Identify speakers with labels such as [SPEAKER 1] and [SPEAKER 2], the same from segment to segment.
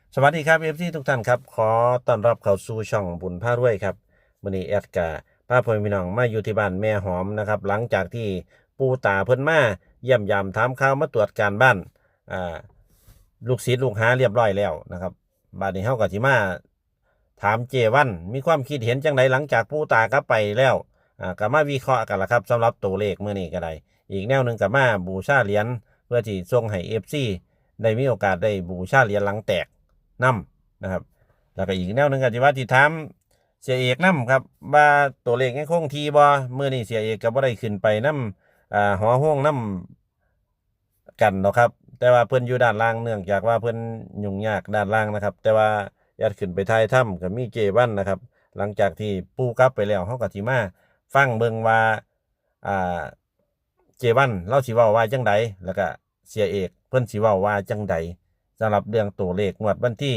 [SPEAKER 1] สวัสดีครับทุกท่านครับขอต้อนรับเข้าสู่ช่องบุญพารวยครับมื้อนี้แอดกะพาพ่อพี่น้องมาอยู่ที่บ้านแม่หอมนะครับหลังจากที่ปู่ตาเพิ่นมาเยี่ยมยามถามข่าวมาตรวจการบ้านอ่าลูกศิษย์ลูกหาเรียบร้อยแล้วนะครับบัดนี้เฮาก็สิมาถามเจวันมีความคิดเห็นจังไดหลังจากปู่ตากลับไปแล้วก็มาวิเคราะห์กันละครับสำหรับตัวเลขมื้อนี้ก็ได้อีกแนวหนึงก็มาบูชาเหรียญเพื่อที่ส่งให้ FC ได้มีโอกาสได้บูชาเหรียญหลังแตกนํนะครับแล้วก็อีกแนวหนึ่งก็ที่ว่าที่ถามเสียเอกนํครับว่าตัวเลขยังคงที่บ่มื้อนี้เสียเอกก็บ่ได้ขึ้นไปนํหอห้องนํกันเนาะครับแต่ว่าเพิ่นอยู่ด้านล่างเนื่องจากว่าเพิ่นยุ่งยากด้านล่างนะครับแต่ว่าญาติขึ้นไปท้ายถ้ำก็มีเจวันนะครับหลังจากที่ปู่กลับไปแล้วเฮาก็สิมาฟังเบิ่งว่าอ่าเจวันเราสิเว้าว่าจังใดแล้วก็เสียเอกเพิ่นสิเว้าว่าจังใดสำหรับเรื่องตัวเลขงวดวันที่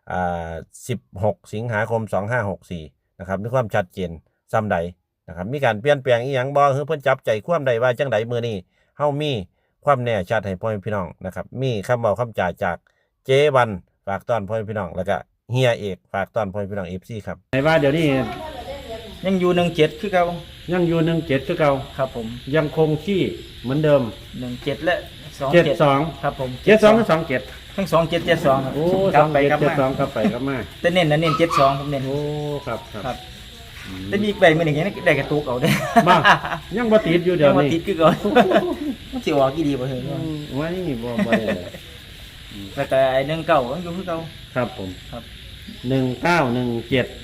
[SPEAKER 1] 16 สิงหาคม 2564นะครับมีความชัดเจนซ้ำใดนะครับมีการเปลี่ยนแปลงอีหยังบ่คือเพิ่นจับใจความใดว่าจังใดมื้อนี้เฮามีความแน่ชัดให้พ่อแม่พี่น้องนะครับมีคำเว้าคำจ่าจากเจวันฝากต้อนพ่อแม่พี่น้องแล้วก็เฮียเอกฝากต้อนพ่อแม่พี่น้อง FC ครับไหนว่าเดี๋ยวนี้
[SPEAKER 2] ยังอยู่17คือเก่า
[SPEAKER 1] ยังอยู่17คือเก่า
[SPEAKER 2] ครับผม
[SPEAKER 1] ยังคงที่เหมือนเดิม
[SPEAKER 2] 17และ
[SPEAKER 1] 72
[SPEAKER 2] ครับผม
[SPEAKER 1] 72กับ27
[SPEAKER 2] ทั้ง2772ครับ
[SPEAKER 1] โอ้
[SPEAKER 2] กลับไปกลับมา
[SPEAKER 1] 72กลับไปกลับมา
[SPEAKER 2] แต่เน้นนะเน้น72ผมเน้น
[SPEAKER 1] โอ้ครับ
[SPEAKER 2] ครับแต่มีอีกใบมื้อนี้ยังได้กระตุกเอาเด้
[SPEAKER 1] บ้ายังบ่ติดอยู่เดี๋ยว
[SPEAKER 2] มา
[SPEAKER 1] นี้
[SPEAKER 2] ติดคือก่อนมันสิออกกี่ดีบ่เฮ้ย
[SPEAKER 1] ไว้บ่ได้เลย
[SPEAKER 2] แล้วก็ไอ้19ยังอยู่คือเก่า
[SPEAKER 1] ครับผม
[SPEAKER 2] ครับ
[SPEAKER 1] 1917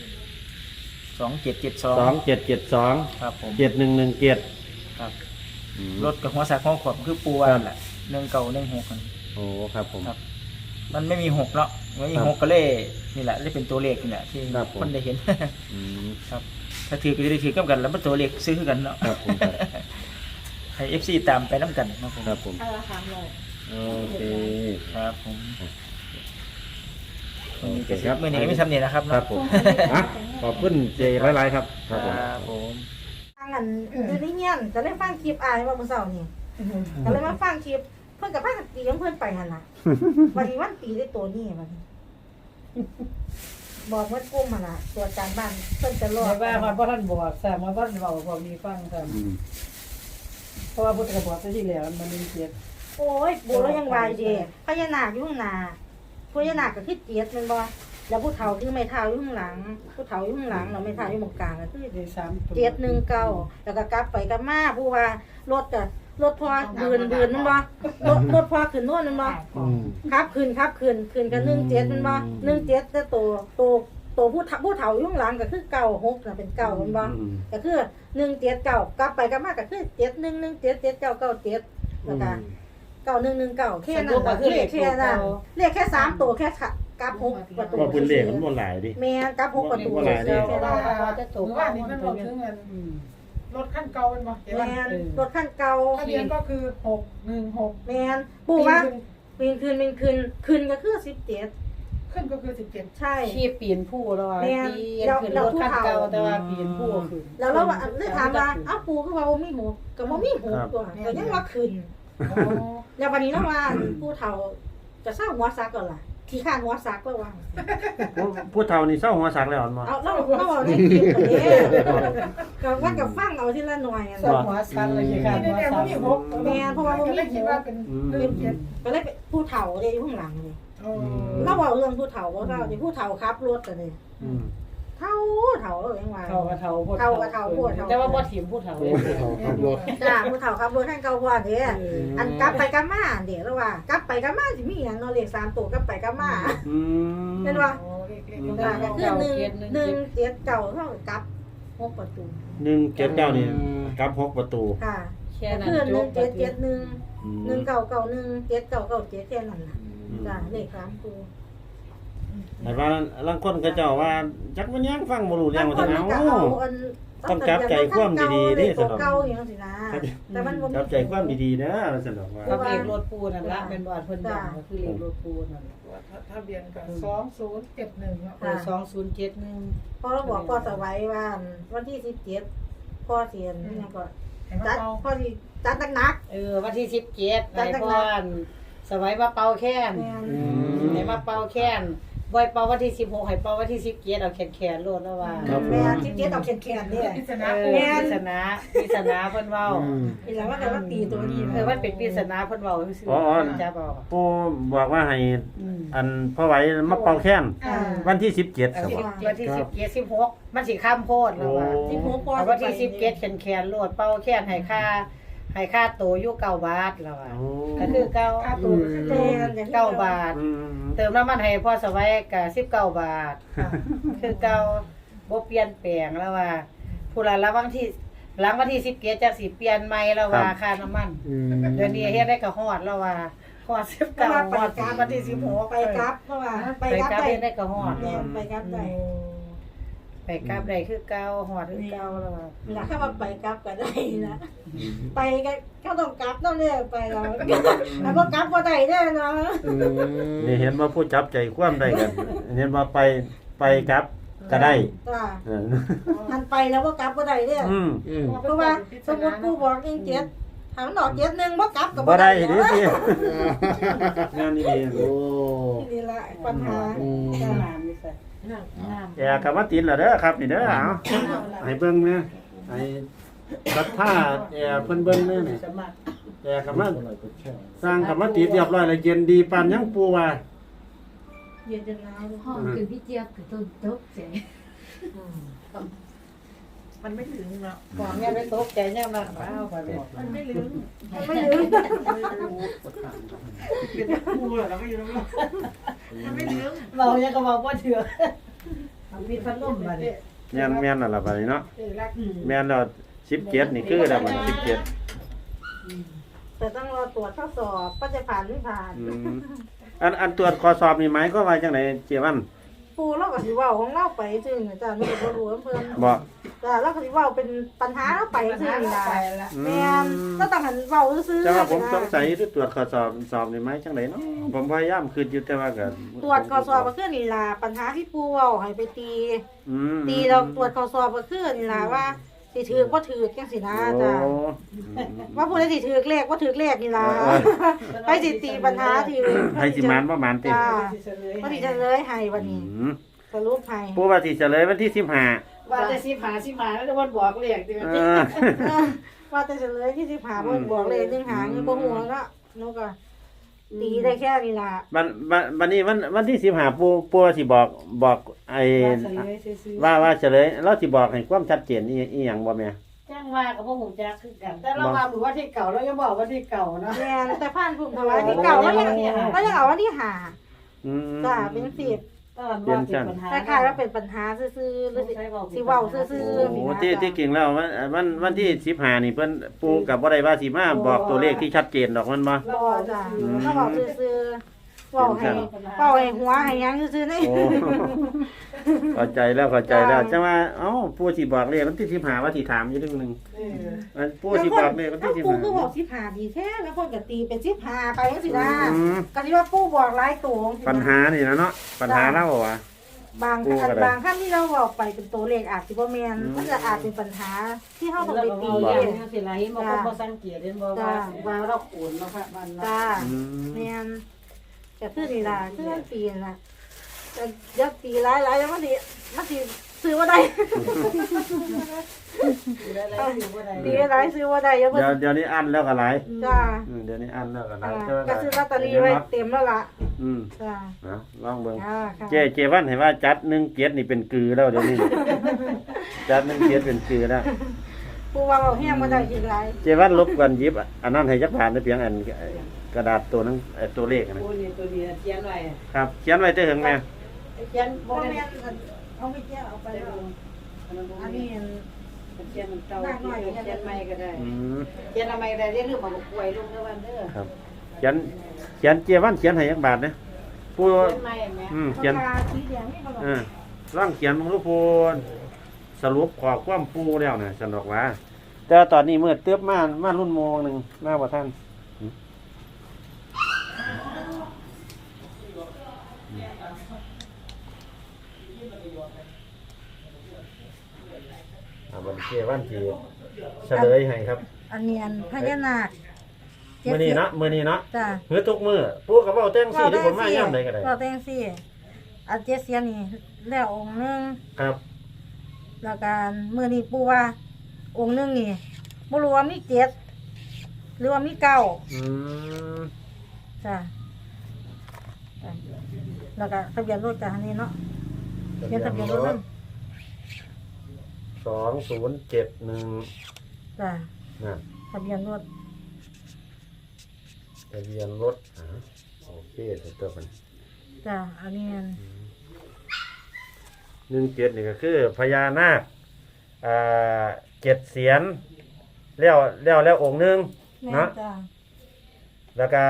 [SPEAKER 2] 2772
[SPEAKER 1] 2772
[SPEAKER 2] ครับผม
[SPEAKER 1] 7117
[SPEAKER 2] ครับรถกับหัวสักหัวขวบคือปูว่านั่นแหละ1916กัน
[SPEAKER 1] โอ้ครับผม
[SPEAKER 2] ครับ มันไม่มี6เนาะไม่มี6ก็เลยนี่แหละเลยเป็นตัวเลขนี่แหละที่
[SPEAKER 1] ครับผม
[SPEAKER 2] คนได้เห็น
[SPEAKER 1] อืม
[SPEAKER 2] ครับถ้าถือก็จะได้ถือกับกันแล้วมันตัวเลขซื้อกันเนาะ
[SPEAKER 1] ครับผมครับ
[SPEAKER 2] ให้ FC ตามไปน้ำกันครับผม
[SPEAKER 1] ครับผม
[SPEAKER 3] เอาละค่ะเลย
[SPEAKER 1] โอเค
[SPEAKER 2] ครับผม
[SPEAKER 1] โอเค
[SPEAKER 2] ค
[SPEAKER 1] ครั
[SPEAKER 2] รับ บมื่อนี้ไม่ทำเนี่ยนะครับ
[SPEAKER 1] ครับผมอ่ะขอบคุณเจหลายๆครับ
[SPEAKER 2] ครับผม
[SPEAKER 3] ฟังกันอยู่ในเงี้ยนก็เลยฟังคลิปอ่านว่าเมื่อเช้านี่ก็เลยมาฟังคลิปเพิ่นกับพากันตีของเพิ่นไปหั่นน่ะวันนี้วันตีได้ตัวนี้บัดนี้บอกว่ากุ้มหั่นน่ะตรวจการบ้านเพิ่นจะรอ
[SPEAKER 4] ไม่
[SPEAKER 3] ด
[SPEAKER 4] ว่ามันบ่ท่านบอกแต่มาบ่ท่านเว้าบอกมีฟังครับ
[SPEAKER 1] อืม
[SPEAKER 4] เพราะว่าพุทธกบอกไปที่แล้วมันมีเกียรติ
[SPEAKER 3] โอ้ยโบแล้วยังวายเด้พญานาคอยู่ข้างหน้าพญานาคก็คือเจียดแม่นบ่แล้วผู้เฒ่าคือไม้เท้าอยู่ข้างหลัง ผู้เฒ่าอยู่ข้างหลังแล้วไม้เท้าอยู่ตรงกลางก็คือ
[SPEAKER 4] ได้3ตัว
[SPEAKER 3] 719แล้วก็กลับไปกลับมาผู้ว่ารถก็รถพอบืนมันบ่รถพอขึ้นโน่นมันบ่
[SPEAKER 1] อืม
[SPEAKER 3] ครับขึ้นกัน17มันบ่17แต่ตัวผู้เฒ่าอยู่ข้างหลังก็คือ96น่ะเป็น9มันบ่ก็คือ179กลับไปกลับมาก็คือ71177997แล้วก็9119แค่นั้นล่ะเลขแค่นั้นเลขแค่3ตัวแค่กลับ6ประตู
[SPEAKER 1] ว่าเพิ่นเลขมันบ่หลายดิ
[SPEAKER 3] แม่นกลับ6ประตู
[SPEAKER 1] บ่หลายเด้
[SPEAKER 3] แค่นั้น
[SPEAKER 4] ว่าจะตก
[SPEAKER 5] หรือว่านี่มันบอกถึงเงินรถขั้นเก่าเป็นบ่เดี๋ยว
[SPEAKER 3] แม่นรถคันเก่า
[SPEAKER 5] ทะเบียนก็คือ616
[SPEAKER 3] แม่นปู่ว่าปีนขึ้นก็คือ17
[SPEAKER 5] ขึ้นก็คือ17
[SPEAKER 3] ใช่
[SPEAKER 4] ขี่ปีนผู้แล้วว่า
[SPEAKER 3] แม่น
[SPEAKER 4] ปีนขึ้นรถคันเก่าแต่ว่าปีนผู้ขึ้น
[SPEAKER 3] แล้วเราเลยถามว่าอ้าวปู่คือว่าบ่มีหมูก็บ่มีหมูตัวก็ยังว่าขึ้น
[SPEAKER 5] อ๋อ
[SPEAKER 3] แล้ววันนี้เราว่าผู้เฒ่าจะเศร้าหัวซักก่อนล่ะขี้ข้านหัวซักแล้วว่า
[SPEAKER 1] ผู้เฒ่านี่เศร้าหัวสักแล้วอันบ่
[SPEAKER 3] เอาเราเอาได้คลิปตัวนี้ก็ว่ากับฟังเอาทีละหน่อยอะ
[SPEAKER 4] สองหัวสันเลยค่ะ
[SPEAKER 5] นี่
[SPEAKER 4] หัว
[SPEAKER 5] เนี่ย
[SPEAKER 4] สั
[SPEAKER 5] มัน
[SPEAKER 4] น
[SPEAKER 5] มี6
[SPEAKER 3] แม่นเพราะว่าบ่มี
[SPEAKER 5] ก็เลยคิดว่าเป็นเรื่องเจ็ด
[SPEAKER 3] ก็เลยเป็นผู้เฒ่าเลยอยู่ข้างหลังนี่
[SPEAKER 5] อ๋อ
[SPEAKER 3] เราบอกเรื่องผู้เฒ่าว่าเราที่ผู้เฒ่าขับรถกันนี่
[SPEAKER 1] อืม
[SPEAKER 3] เฒ่ายังว่า
[SPEAKER 4] เฒ่าก็เฒ่าพวก
[SPEAKER 3] เฒ่าก็เฒ่าพวกเฒ่า
[SPEAKER 4] แต่ว่าบ่ถิ่มผู้เฒ่าเลย
[SPEAKER 3] จ้าผู้เฒ่าขับรถให้เก่าพอเด้อันกลับไปกลับมาเดี๋ยวแล้วว่ากลับไปกลับมาสิมีหยังเนาะเลข3ตัวกลับไปกลับมา
[SPEAKER 1] อืม
[SPEAKER 3] เป็นว่า
[SPEAKER 5] โอ้เล็ก
[SPEAKER 3] จ้าก็คือ1 7 9เท่ากับกลับ6ประตู
[SPEAKER 1] 179นี่กลับ6ประตู
[SPEAKER 3] ค่ะ
[SPEAKER 4] แค่
[SPEAKER 3] ก็
[SPEAKER 4] นั้น
[SPEAKER 3] คือ
[SPEAKER 4] จบ
[SPEAKER 3] 1771 1991 7997แค่นั้นน่ะจ้าเลข3ตัว
[SPEAKER 1] แต่ว่าลางคนก็เจ้าว่าจักมันยังฟังบ่รู้เรื่องว่า
[SPEAKER 3] บา
[SPEAKER 1] ซั่
[SPEAKER 3] ง
[SPEAKER 1] น
[SPEAKER 3] คน
[SPEAKER 1] เอา
[SPEAKER 3] มันก็เอาอัน
[SPEAKER 1] ต้องจับใจความดีๆนี่
[SPEAKER 3] เล
[SPEAKER 1] สำ
[SPEAKER 3] ข
[SPEAKER 1] หรับ
[SPEAKER 3] เก่าอย่างนั้นสินะแต่มันบ่มี
[SPEAKER 1] จับใจความดีๆนะว่าซั่นดอกว่า
[SPEAKER 4] กับเลขรถปูนั่นละเป็นบ่อนเพิ่นดังก็คือเลขรถปูนั่นล่ะ
[SPEAKER 5] ๆทะเบียนก็2071เนาะ
[SPEAKER 4] 2071
[SPEAKER 3] พอเราบอกพ่อสวัยว่าวันที่17พ่อเสียนนี่ก็
[SPEAKER 5] เห็นไหม
[SPEAKER 3] จัด
[SPEAKER 5] เอา
[SPEAKER 3] พ่อสิจัดหนัก
[SPEAKER 4] วันที่17ไปพ่อนสวัยมาเป่าแค้น
[SPEAKER 3] ๆแม่น
[SPEAKER 4] ไหนมาเป่าแค้นบ่อยเป่าวันที่16ให้เป่าวันที่17เอาแขนๆโลดแล้วว่า
[SPEAKER 1] ครับ
[SPEAKER 3] แม่ที่เจ็ดเอาแขนๆนี่
[SPEAKER 5] ปริศนา
[SPEAKER 4] เอ
[SPEAKER 5] ปู
[SPEAKER 4] อปริศนาเพิ่นเว้า
[SPEAKER 3] อีหลังว่าแต่ว่าตีตัวนี้
[SPEAKER 4] มันเป็นปริศนาเพิ่นเว้าซื่อ
[SPEAKER 1] อ๋อ
[SPEAKER 4] จับเอา
[SPEAKER 1] ปูบอกว่าให้
[SPEAKER 4] อืม
[SPEAKER 1] อันพ่อไหวมาเป่าแค้น
[SPEAKER 3] อ่า
[SPEAKER 1] วันที่17
[SPEAKER 4] เอ
[SPEAKER 1] ครับ
[SPEAKER 4] อวันที่17 16มันสิข้ามโพดแล้วว่า
[SPEAKER 1] โอ้
[SPEAKER 3] ที่หัวปอ
[SPEAKER 4] เอาวันที่17แขนๆโลดเป่าแขนให้ค่าโตอยู่9 บาทแล้วว่า
[SPEAKER 1] โอ้
[SPEAKER 4] ก็คือเก้า
[SPEAKER 5] ค่าตัวก็คือ
[SPEAKER 3] แม่นอย่างที่
[SPEAKER 4] 9 บาท
[SPEAKER 1] อืม
[SPEAKER 4] เติมน้ำมันให้พ่อสวัยก็19 บาท คือเก่าบ่เปลี่ยนแปลงแล้วว่าผู้ละหลังวันที่17จะสิเปลี่ยนใหม่แล้วว่าค่าน้ำมัน เดี๋ยวนี้เฮ็ดได้ก็ฮอดแล้วว่าฮอด19ฮอดวันที่16
[SPEAKER 3] ไปกลับเพราะว่าไป
[SPEAKER 4] ไป
[SPEAKER 3] กลับ
[SPEAKER 4] กลับ
[SPEAKER 3] ได้
[SPEAKER 4] เฮ็ดได้ก็ฮอด
[SPEAKER 3] แม่นไปกลับได้
[SPEAKER 4] ไปกลับได้คือเก่าฮอดคือเก่าแล้วว่า
[SPEAKER 3] เวลาเข้ามาไปกลับก็ได้นะไปก็ต้องกลับต้องเรียกไปแล้วแล้วก็กลับบ่ได้เด้อเนาะ
[SPEAKER 1] นี่เห็นว่าผู้จับใจความได้กัน เห็นว่าไปครับก็ได้
[SPEAKER 3] จ้า
[SPEAKER 1] เออ
[SPEAKER 3] ทันไปแล้วก็กลับบ่ได้เด้อ
[SPEAKER 1] อืม
[SPEAKER 3] เพราะว่าสมมุติกูบอก17ถามดอก7-1บ่กลับก็
[SPEAKER 1] บ่
[SPEAKER 3] บ่
[SPEAKER 1] ได้
[SPEAKER 3] ได้
[SPEAKER 1] ดิ
[SPEAKER 3] เด้อ
[SPEAKER 1] พี่งานนี้ดีโอ้
[SPEAKER 3] นี่แหละปัญหา
[SPEAKER 4] จ้า
[SPEAKER 3] จ้า
[SPEAKER 4] น้ำนี่ใส่
[SPEAKER 1] แอร์กลับมาติดแล้วเด้อครับนี่เด้อเอาให้เบิ่งนะให้รัดผ้าแอร์เพิ่นเบิ่งแน่นี่
[SPEAKER 4] สมัคร
[SPEAKER 1] แอร์กลับมาสร้างกลับมาติดเรียบร้อยแล้วเย็นดีปานยังปูว่า
[SPEAKER 3] เย็นจนหนาว
[SPEAKER 6] ห้องคือพี่เจี๊ยบคือต้นตกใจ
[SPEAKER 5] มันไม่ถึงเนาะ
[SPEAKER 4] บอกแม่ไปตกใจแม่มาว้าวไปบอก
[SPEAKER 5] มันไม่ลืม
[SPEAKER 3] ไม่ลืม
[SPEAKER 5] ปูเหรอเราไม่ลืมมันไม่ลืม
[SPEAKER 4] เรายังก็บอกว่าเถื่อมีพัดลมมาดิ
[SPEAKER 1] แม่นนั่นล่ะบัดนี้เนาะ
[SPEAKER 5] รัก
[SPEAKER 1] แม่นแล้ว17นี่คือแล้วบัดนี้17
[SPEAKER 3] แต่ต้องรอตรวจข้อสอบว่าจะผ่านไม่ผ่าน
[SPEAKER 1] อืมอันตรวจข้อสอบนี่หมายก็ว่าจังไดเจวัน
[SPEAKER 3] ปูเราก็สิเว้าของเราไปซื่อๆจ้ะไม่ได้บ่รู้เพิ่น
[SPEAKER 1] บ่
[SPEAKER 3] จ้ะเราก็สิเว้าเป็นปัญหาเราไปซื่อนี่ล่ะ
[SPEAKER 4] ละ
[SPEAKER 3] แม่นเราต้องหันเว้าซื่อๆ
[SPEAKER 1] แต่ว่าผมสงสัยที่ตรวจข้อสอบนี่หมายจังไดเนาะผมพยายามคิดอยู่แต่ว่าก็
[SPEAKER 3] ตรวจข้อสอบก็คือนี่ล่ะปัญหาที่ปูเว้าให้ไปตี
[SPEAKER 1] อืม
[SPEAKER 3] ตีเราตรวจข้อสอบก็คือนี่ล่ะว่าสิถือบ่ถือจังซี่นะจ้ะ
[SPEAKER 1] โอ้
[SPEAKER 3] ว่าผู้ใดสิถือเลขบ่ถือเลขนี่ล่ะไปสิตีปัญหาที่
[SPEAKER 1] ให้สิมานบ่มานติ
[SPEAKER 3] จ้าว่าสิจะเลยให้วันนี้
[SPEAKER 1] อืม
[SPEAKER 3] สรุปให้
[SPEAKER 1] ผู้ว่าสิเฉลยวันที่15
[SPEAKER 4] ว่าจะสิผาแล้ววันบอกเรียกดิ
[SPEAKER 1] เออ
[SPEAKER 3] ว่าแต่เฉลยที่15เพิ่นบอกเลย1หางบ่ฮู้เนาะหนูก็ตีได้แค่นี้ล่ะ
[SPEAKER 1] วันนี้วันที่15ปู่ว่าสิบอกไอ้ว่าเฉลยเราสิบอกให้ความชัดเจนอีหยังบ่แม่
[SPEAKER 4] จ้างว่ากับพวกหูจักคือกัน แต่เราว่าหรือว่าที่เก่าเรายังบอกว่าที่เก่าเนาะ
[SPEAKER 3] แม่นแต่ผ่านภูมิถวายที่เก่าแล้วยังเอาวันที่ห้า
[SPEAKER 1] อืม
[SPEAKER 3] จ้าเป็น10
[SPEAKER 4] ตอนว่าเป็นปัญหา
[SPEAKER 3] คล้ายๆว่าเป็นปัญหาซื่อๆหรือสิเว้าซื่อ
[SPEAKER 1] โอ้
[SPEAKER 3] ๆ
[SPEAKER 1] ที่จริงแล้ววันที่15นี่เพิ่นปู่กับบ่ได้ว่าสิมาบอกตัวเลขที่ชัดเจนดอกมันบ่
[SPEAKER 3] บ่จ้าถ้าเว้าซื่อๆเว้าให้หัวให้หยังซื่อๆนี่
[SPEAKER 1] โอ้ เข้าใจแล้วจังว่าเอ้าปู่สิบอกเลขวันที่15ว่าสิถามอยู่นึงนึงปู่สิบอกเลขวันที่
[SPEAKER 3] ปู่คือบอก
[SPEAKER 1] 15
[SPEAKER 3] 15ดีแท้แล้วคนก็ตีเป็น15ไปจังซี่นะ
[SPEAKER 1] อืม
[SPEAKER 3] ก็สิว่าปู่บอกหลายตัว
[SPEAKER 1] ปัญหานี่นะเนาะปัญหาเราว่ะ
[SPEAKER 3] บาง
[SPEAKER 1] ปู่ก็ได้
[SPEAKER 3] บางครั้งที่เราบอกไปเป็นตัวเลขอาจสิบ่แม่น
[SPEAKER 1] อืม
[SPEAKER 3] มันจะอาจเป็นปัญหาที่เฮาต้องไปตี
[SPEAKER 4] เอ
[SPEAKER 3] เอง
[SPEAKER 4] งสิล่ะเห็นบ่คนบ่สังเกตเห็นบ่ว่าเราโอนเนาะค่ะมัน
[SPEAKER 3] จ้า
[SPEAKER 1] อืม
[SPEAKER 3] แม่นก็คือนี่ล่ะคือมันปีนล่ะแต่เดี๋ยวตีหลายๆแล้วมันสิซื้อบ่ได้ ตีหลายซื้อบ่ได้เดี๋ยวเพิ่น
[SPEAKER 1] เดี๋ยวนี้อันแล้วก็หลาย
[SPEAKER 3] จ้า
[SPEAKER 1] เดี๋ยวนี้อันแล้วก็หลา
[SPEAKER 3] จ้าย ก็ซื้อลอตเตอรี่ไว้เต็มแล้วล่ะ
[SPEAKER 1] อืม
[SPEAKER 3] จ้า
[SPEAKER 1] นะลองเบิ่ง
[SPEAKER 3] ค่ะ
[SPEAKER 1] เจวันเห็นว่าจัด17นี่เป็นกือแล้วเดี๋ยวนี้ จัด17เป็นกือแล้ว
[SPEAKER 3] ผู้ว่าเอาแห้งบ่ได้สิหลาย
[SPEAKER 1] เจวันลบกันหยิบอันนั้นให้จักผ่านได้เพียงอันกระดาษตัวนั้นตัวเลขนะ
[SPEAKER 4] โอ้นี่ตัวนี้เขียนไว้
[SPEAKER 1] ครับเขียนไว้เด้อถึงแม่
[SPEAKER 4] เขียนบ่
[SPEAKER 3] บ่
[SPEAKER 4] แม่
[SPEAKER 3] แม่
[SPEAKER 4] น
[SPEAKER 3] นเอาไปแก้เอาไปแล้วอันนี้
[SPEAKER 4] เขียนมันเก่าเขียนใหม่ก็ได้
[SPEAKER 1] อืม
[SPEAKER 4] เขียนใหม่ก็ได้เรียนรู้มาบ่ป่วยลงเด้อวันเด้อ
[SPEAKER 1] ครับเขียนเจวันเขียนให้จักบาทนะผู้
[SPEAKER 4] เขียนใหม่แม่
[SPEAKER 1] เขียน
[SPEAKER 3] ปากกาสีแดงนี่บ่ล่ะ
[SPEAKER 1] ร่างเขียนของลูกพูนสรุปขอความปูแล้วนะฉันบอกว่า แต่ว่าตอนนี้เมื่อเติบมารุ่นโมงหนึ่งมาบ่ท่านบันเทวันที่เฉลยให้ครับ
[SPEAKER 3] อันนี้อันพญานาค
[SPEAKER 1] มื้อนี้เนาะ
[SPEAKER 3] จ้า
[SPEAKER 1] เฮือทุกมื้อปูกับเว้าแต่งซี่ที่ผมมาย่ำใดก็ได้
[SPEAKER 3] เราแต่งซี่อันเจ็ดเสียนนี่แล้วองค์หนึง
[SPEAKER 1] ครับ
[SPEAKER 3] แล้วการมื้อนี้ปู่ว่าองค์หนึงนี่บ่รู้ว่ามีเจ็ดหรือว่ามีเก้า
[SPEAKER 1] อืม
[SPEAKER 3] จ้ะจ้ะแล้วก็ทะเบียนรถจ้ะอันนี้เนาะเขียนทะเบียนรถนั่น
[SPEAKER 1] 2071
[SPEAKER 3] จ้ะ
[SPEAKER 1] นั่น
[SPEAKER 3] ทะเบียนรถ
[SPEAKER 1] ทะเบียนรถโอเคตัวมัน
[SPEAKER 3] จ้ะอันนี้อัน
[SPEAKER 1] 17นี่ก็คือพญานาค7เสียนแล้วองค์หนึง
[SPEAKER 3] แม่
[SPEAKER 1] เนาะ
[SPEAKER 3] นจ้ะ
[SPEAKER 1] แล้วก็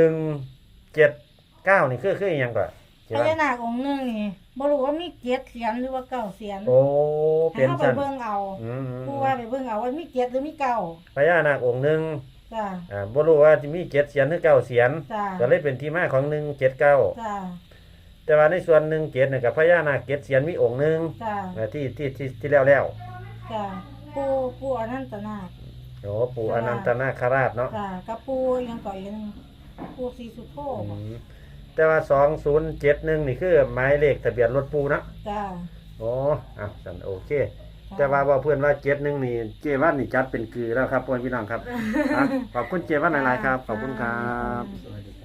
[SPEAKER 1] 179นี่คืออีหยังก่อน
[SPEAKER 3] พญานาคองค์หนึงนี่บ่รู้ว่ามีเจ็ดเสียนหรือว่าเก้าเสียน
[SPEAKER 1] โอ้
[SPEAKER 3] ให้
[SPEAKER 1] เป็น
[SPEAKER 3] เฮาไป
[SPEAKER 1] ซั่น
[SPEAKER 3] เบิ่งเอา
[SPEAKER 1] อืม
[SPEAKER 3] ปู่ว่าไปเบิ่งเอาว่ามีเจ็ดหรือมีเก้า
[SPEAKER 1] พญานาคองค์หนึง
[SPEAKER 3] จ้ะ
[SPEAKER 1] บ่รู้ว่าสิมี7เสียนหรือ9เสียน
[SPEAKER 3] จ้ะ
[SPEAKER 1] ก็เลยเป็นที่มาของ179
[SPEAKER 3] จ้ะ
[SPEAKER 1] แต่ว่าในส่วน17นี่ก็พญานาค7เสียนมีองค์หนึง
[SPEAKER 3] จ้ะ
[SPEAKER 1] ที่แล้ว
[SPEAKER 3] จ้ะปู่อนันตนาค
[SPEAKER 1] โอ้ปู่อนันตนาคราชเนาะ
[SPEAKER 3] จ้ะกับปู่ยังก่ออีกอันหนึงปู่ศรีสุโธ
[SPEAKER 1] อืมแต่ว่า2071นี่คือหมายเลขทะเบียนรถปู่เนาะ
[SPEAKER 3] จ้ะ
[SPEAKER 1] โอ้สันโอเค แต่ว่าเพื่อนว่า71นี่เจวันนี่จัดเป็นคือแล้วครับพ่อพี่น้องครับอ่ะขอบคุณเจวันหลายๆครับ ขอบคุณครับ
[SPEAKER 2] สวัสดี